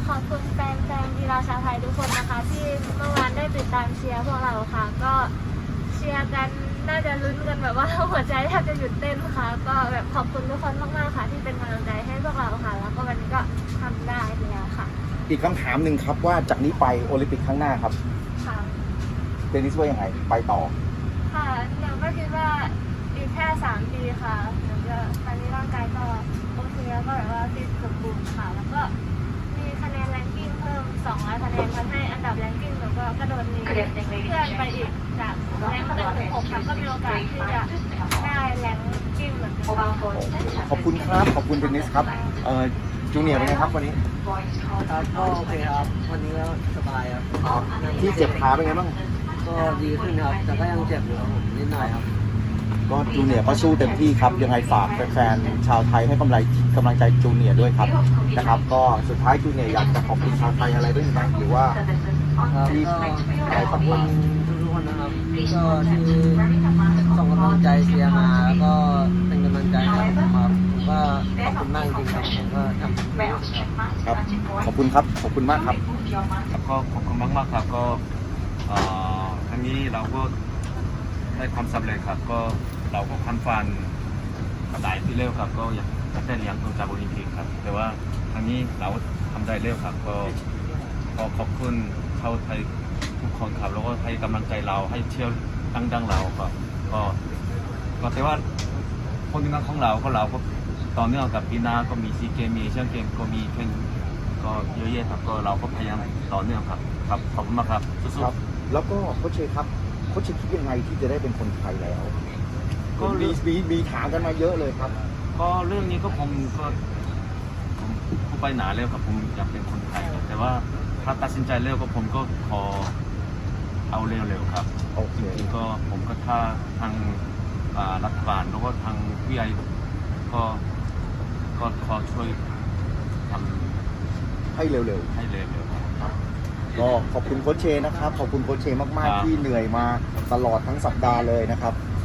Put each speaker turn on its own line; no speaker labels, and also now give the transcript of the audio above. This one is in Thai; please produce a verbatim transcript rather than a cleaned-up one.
ขอบคุณแฟนแฟนกีฬาชาวไทยทุกคนนะคะที่เมื่อวานได้ติดตามเชียร์พวกเราค่ะก็เชียร์กันน่าจะลุ้นกันแบบว่าหัวใจแทบจะหยุดเต้นค่ะก็แบบขอบคุณทุกคนมากๆค่ะที่เป็นกำลังใจให้พวกเราค่ะแล้วก็วันนี้ก็ทำได้แล้วค่ะ
อีกคำถามหนึ่งครับว่าจากนี้ไปโอลิมปิกครั้งหน้าครับ
ค่ะ
เดนิสว่ายังไงไปต่อ
ค่ะหนูก็คิดว่าอีกแค่สามปีค่ะหนูจะตอนนี้ร่างกายก็โอเคแล้วก็แบบว่าฟิตสมบูรณ์ค่ะแล้วก็มีคะแนนแรงกิ้งเพิ่มสองร้อยคะแนนทำให้อันดับแรงกิ้งหนูก็กระโดดหนีเพื่อนไปอีกจากแรงหนึ่งถึงหกค่ะก็มีโอกาสที่จะได้แรงกิ้งเหมือนกัน
ขอบคุณครับขอบคุณเดนิสครับเอ่อจูเนียร์เป็นไงครับวันนี้
ครับก็โอเคครับวันนี้ก็สบายครับ
ที่เจ็บขาเป็นไงบ้าง
ก็ดีขึ้นครับแต่ก็ยังเจ็บอยู่ครับผมนิดหน่อยครับ
ก็จูเนียร์ก็สู้เต็มที่ครับยังไงฝากแฟนๆชาวไทยให้กำลังกำลังใจจูเนียร์ด้วยครับนะครับก็สุดท้ายจูเนียร์อยากจะขอบคุณชาวไทยอะไรด้วยไหมหรือว่า
ที่อะไรขอบคุณทุกคนนะครับก็ที่ส่งกำลังใจเชียร์มาแล้วก็เป็นกำลังใจให้ผมครับผมก็ขอบคุณมากจริงๆครับผมก็ทำเต็มที่ครับ
ครับขอบคุณครับขอบคุณมากครับ
ครับก็ขอบคุณมากมากครับก็ครั้งนี้เราก็ได้ความสำเร็จครับก็เราก็คันฟันหลายที่เร็วครับก็อยากได้เหรียญทองจากโอลิมปิกครับแต่ว่าครั้งนี้เราทำได้เร็วครับก็ขอขอบคุณชาวไทยทุกคนครับแล้วก็ให้กำลังใจเราให้เชียร์ดังๆเราครับก็ก็แต่ว่าคนที่นั่งของเราก็เราก็ต่อเนื่องกับปีหน้าก็มีซีเกมมีเชียงเกมก็มีแข่งก็เยอะแยะครับก็เราก็พยายามต่อเนื่องครับครับขอบคุณมากครับสู้ๆ
แล้วก็โค้ชเชครับโค้ชเชคิดยังไงที่จะได้เป็นคนไทยแล้วก็มีมีมีถามกันมาเยอะเลยครับ
ก็เรื่องนี้ก็ผมก็ผมผมไปหนาแล้วครับผมอยากเป็นคนไทยแต่ว่าถ้าตัดสินใจเร็วก็ผมก็ขอเอาเร็วๆครับ
โอเค
จริงๆก็ผมก็ถ้าทางรัฐบาลแล้วก็ทางวิทยาก็ก็ขอช่วยท
ำให้เร็ว
ๆให้เร็ว
ๆก็ขอบคุณโค้ชเชนะครับขอบคุณโค้ชเชมากๆที่เหนื่อยมาตลอดทั้งสัปดาห์เลยนะครับ